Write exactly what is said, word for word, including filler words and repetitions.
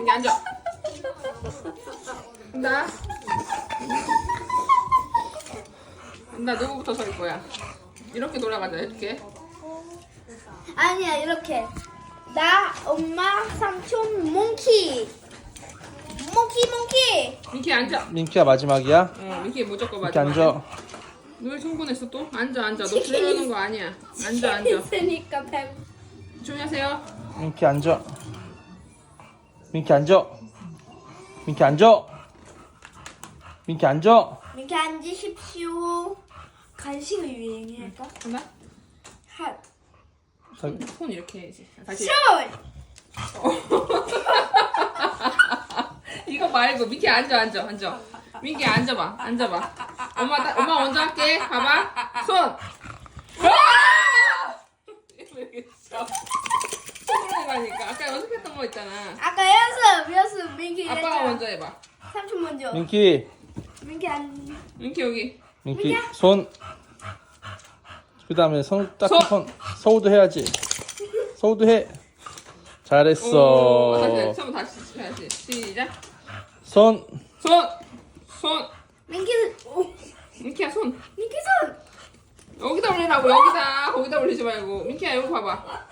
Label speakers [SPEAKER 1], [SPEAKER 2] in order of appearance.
[SPEAKER 1] 민기 앉아. 나. 나 누구부터 설 거야? 이렇게 돌아가자 이렇게.
[SPEAKER 2] 아니야 이렇게. 나, 엄마, 삼촌, 몽키. 몽키 몽키.
[SPEAKER 1] 민기 앉아.
[SPEAKER 3] 민키야 마지막이야?
[SPEAKER 1] 어 민기 무조건
[SPEAKER 3] 민키
[SPEAKER 1] 맞아.
[SPEAKER 3] 앉아.
[SPEAKER 1] 왜 충분했어 또? 앉아 앉아. 너 들어가는 거 아니야. 앉아 앉아.
[SPEAKER 2] 있으니까 배.
[SPEAKER 1] 조용히 하세요.
[SPEAKER 3] 민키 앉아. 민키 앉아. 민키 앉아. 민키 앉아.
[SPEAKER 2] 이렇게 앉으십시오. 간식을 유행할까?
[SPEAKER 1] 하나.
[SPEAKER 2] 핫.
[SPEAKER 1] 손, 손 이렇게 해야지. 다시.
[SPEAKER 2] 슛.
[SPEAKER 1] 이거 말고 민기 앉아 앉아 앉아. 민기 앉아봐 앉아봐. 엄마 따, 엄마 먼저 할게. 봐봐. 손. 아! 이렇게 쳐. 손으로 가니까 아까 연습했던 거 있잖아.
[SPEAKER 2] 아까 연습 연습 민키
[SPEAKER 1] 아빠가
[SPEAKER 2] 했잖아.
[SPEAKER 1] 먼저 해봐.
[SPEAKER 2] 삼촌 먼저.
[SPEAKER 3] 민키.
[SPEAKER 2] 민키 안.
[SPEAKER 1] 민기 여기.
[SPEAKER 3] 민키 손. 그 다음에 손 딱
[SPEAKER 1] 손.
[SPEAKER 3] 손. 서우도 해야지. 서우도 해.
[SPEAKER 1] 오,
[SPEAKER 3] 잘했어.
[SPEAKER 1] 다시 처음 다시 해야지. 시작.
[SPEAKER 3] 손.
[SPEAKER 1] 손. 손.
[SPEAKER 2] 민키. 오.
[SPEAKER 1] 민키야 손.
[SPEAKER 2] 민키 손.
[SPEAKER 1] 여기다 올리라고 여기다. 거기다 올리지 말고. 민키야 여기 봐봐.